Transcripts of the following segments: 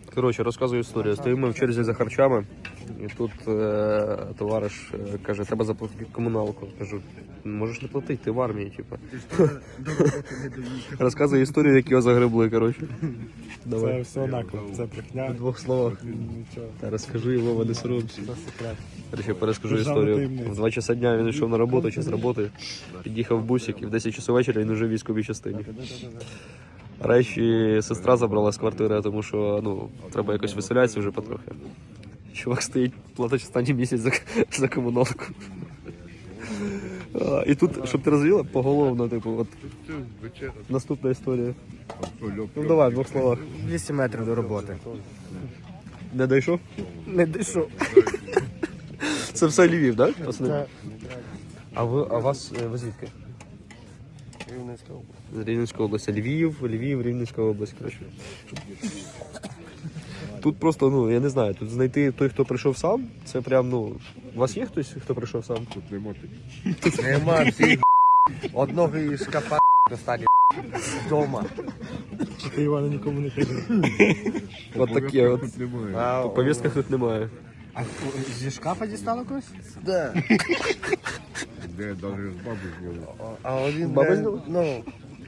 Коротше, розказую історію. Стоїмо в черзі за харчами, і тут товариш каже, треба заплатити комуналку. Кажу, можеш не платити, ти в армії, типу. Розказую історію, як його загребли, коротше. Давай. Це все наклеп, це брехня. В двох словах. Нічого. Та розкажи його, не соромся. Це секрет. Короче, перескажу Державна історію. таємниця. В 2 часа дня він йшов на роботу чи з роботи, під'їхав в бусик і в 10 часов вечора він вже в військовій частині. Речі сестра забрала з квартири, тому що ну, треба якось виселятися вже потрохи. Чувак стоїть, платить останній місяць за комуналку. І тут, щоб ти розуміла, поголовно, типу, от наступна історія. Ну давай, в 2 словах. 200 метрів до роботи. Не дійшов? Не дійшов. Це все Львів, так? Да? Це А вас ви звідки? Рівненська область. З Рівненської області. Львів, Рівненська область, коротше. Тут просто, ну, я не знаю, тут знайти той, хто прийшов сам, це прям, ну, у вас є хтось, хто прийшов сам? Тут нема. Нема всіх. Одного із шкафа достане вдома. Ти, Івана, нікому не кажи. От таке, от. В повістках тут немає. А зі шкафа дістало когось? Да. Де даже з баби зняли. А один, Баба зняла? ну,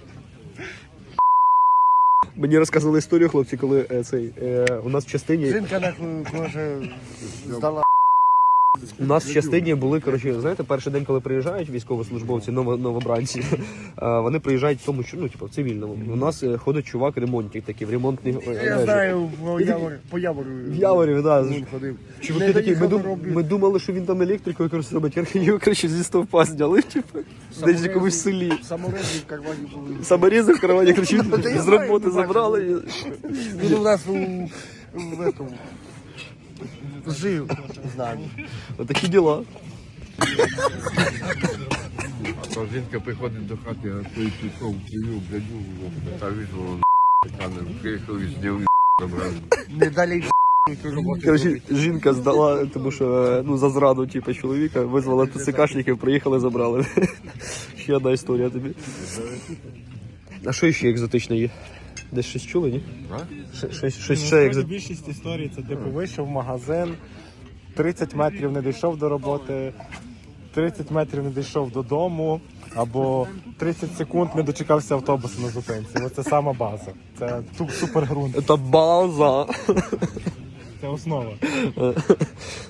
Мені розказували історію, хлопці, коли у нас в частині... жінка нахуй, може, здала. У нас в частині були, коротше, знаєте, перший день, коли приїжджають військовослужбовці, новобранці, вони приїжджають в тому, що, ну, типу, в цивільному. У нас ходить чувак ремонтник такий, в ремонтній Я знаю, по Явору. В Яворі, да. Він ходив. Чуваки Не такі, доїхав до роботи. ми думали, що він там електрикою, коротше, робить, його, коротше, зі стовпа зняли, типу, десь в якомусь селі. Саморези в кармані були. Саморізи в кармані, коротше, Я з знаю, роботи ми забрали. Він у нас в этому жив з нами. Отакі діла. А то жінка приходить до хати, а той пішов, привів, блядю, та визвало, приїхав і зняв, забрали. Не далі роботи. Коротше, жінка здала, тому що, ну, за зраду, типу, чоловіка, визвала ТЦКшників, приїхали, забрали. Ще одна історія тобі. А що ще екзотичне є? Десь щось чули, ні? Щось ще екзотичне. Більшість історій це типу вийшов в магазин, 30 метрів не дійшов до роботи, 30 метрів не дійшов додому, або 30 секунд не дочекався автобусу на зупинці. Оце сама база. Це супергрунт. Це база. Це основа.